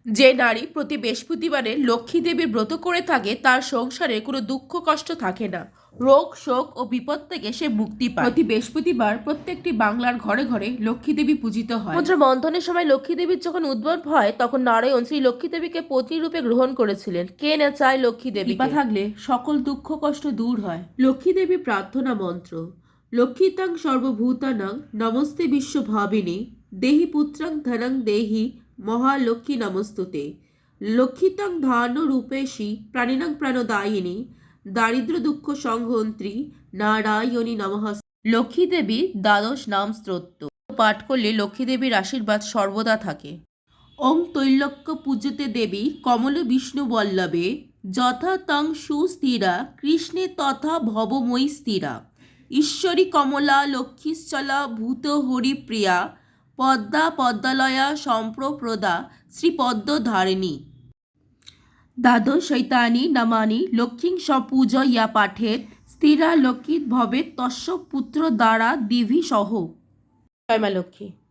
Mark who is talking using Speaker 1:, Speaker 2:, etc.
Speaker 1: যে নারী প্রতি বৃহস্পতিবারে লক্ষ্মী দেবীর ব্রত করে থাকে তার সংসারে কোনো দুঃখ কষ্ট থাকে না, রোগ শোক ও বিপদ থেকে সে মুক্তি পায়। প্রতি বৃহস্পতিবার প্রত্যেকটি বাংলার ঘরে ঘরে লক্ষ্মী দেবী পূজিত হয়। মুদ্রা মন্থনের সময় লক্ষ্মী দেবীর যখন উদ্ভব হয় তখন নারায়ণ শ্রী লক্ষ্মী দেবীকে পত্নী রূপে গ্রহণ করেছিলেন। কে না চায় লক্ষ্মী দেবী কৃপা থাকলে সকল দুঃখ কষ্ট দূর হয়। লক্ষ্মী দেবী প্রার্থনা মন্ত্র। লক্ষ্মীতাং সর্বভূতানাং নমস্তে বিশ্বভাবিনী দেহি পুত্রাং ধনং দেহি মহালক্ষ্মী নমস্তুতে। লক্ষ্মীতাং ধান্য রূপেশী প্রাণিনাং প্রাণদায়িনী দারিদ্র দুঃখ সংহন্ত্রী নারায়ণী নমঃ। লক্ষ্মী দেবীর দ্বাদশ নাম স্তোত্র পাঠ করলে লক্ষ্মী দেবীর আশীর্বাদ সর্বদা থাকে। ওং তৈলক্য পূজতে দেবী কমল বিষ্ণু বল্লভে যথা তং সুস্থিরা কৃষ্ণে তথা ভবময়ী স্থিরা। ঈশ্বরী কমলা লক্ষ্মীশ্চলা ভূত হরিপ্রিয়া পদ্মা পদ্মালয়া সম্প্রপ্রদা শ্রীপদ্মধারিণী। দ্বাদশৈতানি নামানি লক্ষ্মীং সপূজয়া পাঠেত স্থিরা লক্ষ্মী ভবেত তস্য পুত্র দ্বারা দিভি সহ। জয় মা লক্ষ্মী।